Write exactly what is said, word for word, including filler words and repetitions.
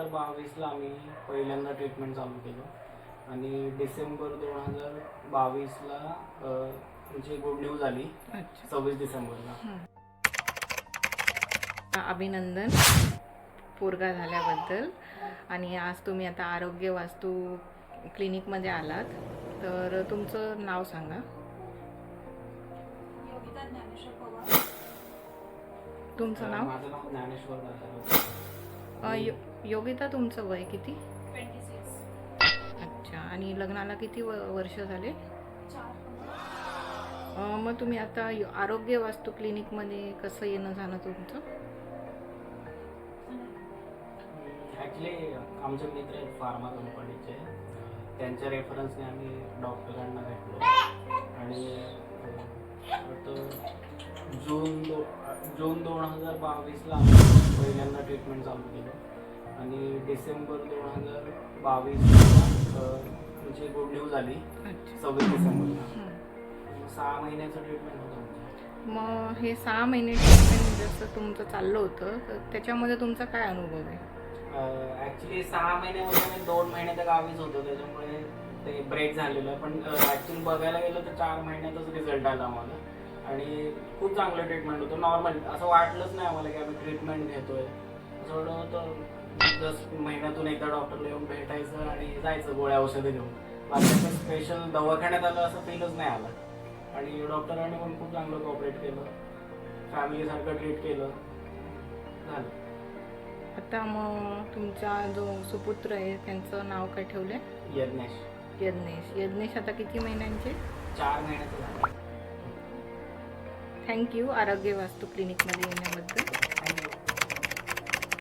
हजार बावीसला आम्ही पहिल्यांदा ट्रीटमेंट चालू केलं आणि डिसेंबर दोन हजार बावीसला म्हणजे गुड न्यूज आली. सव्वीस डिसेंबरला. अभिनंदन पोरगा झाल्याबद्दल. आणि आज तुम्ही आता आरोग्य वास्तू क्लिनिकमध्ये आलात, तर तुमचं नाव सांगा. योगिता ज्ञानेश्वर पवार. तुमचं नाव? माझं नाव ज्ञानेश्वर दादा. यो योगिता, तुमचं वय किती? Twenty six. अच्छा. आणि लग्नाला किती व वर्ष झाले? चार. अं, मग तुम्ही आता यो- आरोग्य वास्तू क्लिनिकमध्ये कसं येणं जाणं तुमचं? ॲक्च्युली आमचे मित्र आहेत फार्मा कंपनीचे, त्यांच्या रेफरन्सने आम्ही डॉक्टरांना भेटलो आणि वाटतं जून दो जून दोन हजार बावीसला आम्ही पहिल्यांदा ट्रीटमेंट चालू केलं आणि डिसेंबर दोन हजार बावीसला म्हणजे गुड न्यूज आली. सव्वीस डिसेंबरला. सहा महिन्याचं ट्रीटमेंट होतं आमचं. मग हे सहा महिने ट्रीटमेंट जसं तुमचं चाललं होतं, तर त्याच्यामध्ये तुमचा काय अनुभव आहे? ॲक्च्युली सहा महिन्यामध्ये मी दोन महिने तर गावीच होतो, त्याच्यामुळे ते ब्रेक झालेलं. पण ॲक्च्युली बघायला गेलं तर चार महिन्यातच रिझल्ट आला आम्हाला आणि खूप चांगलं ट्रीटमेंट होतं. नॉर्मल असं वाटलंच नाही आम्हाला की आम्ही ट्रीटमेंट घेतोय. असं वाटत होतं जस्ट महिन्यातून एकदा डॉक्टरला येऊन भेटायचं आणि जायचं गोळ्या औषधं घेऊन. बाकी असं स्पेशल दवाखान्यात आलं असं फीलच नाही आलं. आणि डॉक्टरांनी पण खूप चांगलं कॉपरेट केलं, फॅमिलीसारखं ट्रीट केलं, झालं. आता मग तुमचा जो सुपुत्र आहे त्यांचं नाव काय ठेवलंय? यज्ञेश. यज्ञेश. यज्ञेश आता किती महिन्यांचे? चार महिन्याचं झालं. थँक्यू आरोग्य वास्तू क्लिनिकमध्ये येण्याबद्दल. थँक्यू.